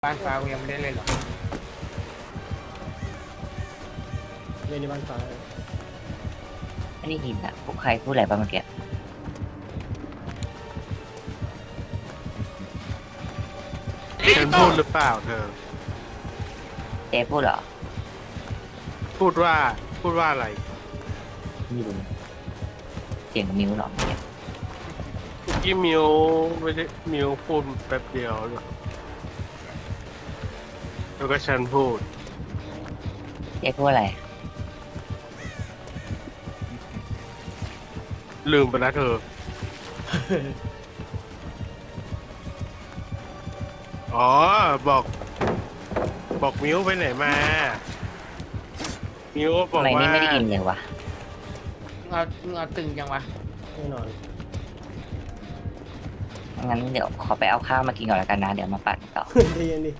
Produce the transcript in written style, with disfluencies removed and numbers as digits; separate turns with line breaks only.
บ้านฟ้ากูยังไม่ได้เล่นหรอก
เล่นในบ้านฟ้า
ไม่ได้ยินอะพวกใครพูดอะไรบ้างเมื่อกี้
ฉันพูดหรือเปล่าเธอ
เจ๊พูดเหรอ
พูดว่าอะไร
ไม่รู้เสียงมิวเหรอเมื่อกี้
เมื่อกี้มิวไม่ได้มิวพูดแป๊บเดียวแล้วก็ฉันพูด
เจ๊พูดอะไร
ลืมไปแล้วเธอ อ๋อ บอกมิวไปไหนมา มิวบอ
ทำ
ก
ไม
ว่า
นี่ไม่ได้ยินเลยวะ
มึงเอาตึงจังวะ
แน่นอน
งั้นเดี๋ยวขอไปเอาข้าวมากินก่อนแล้วกันนะ เดี๋ยวมาปั่นต่อ
ใจเย็นดิ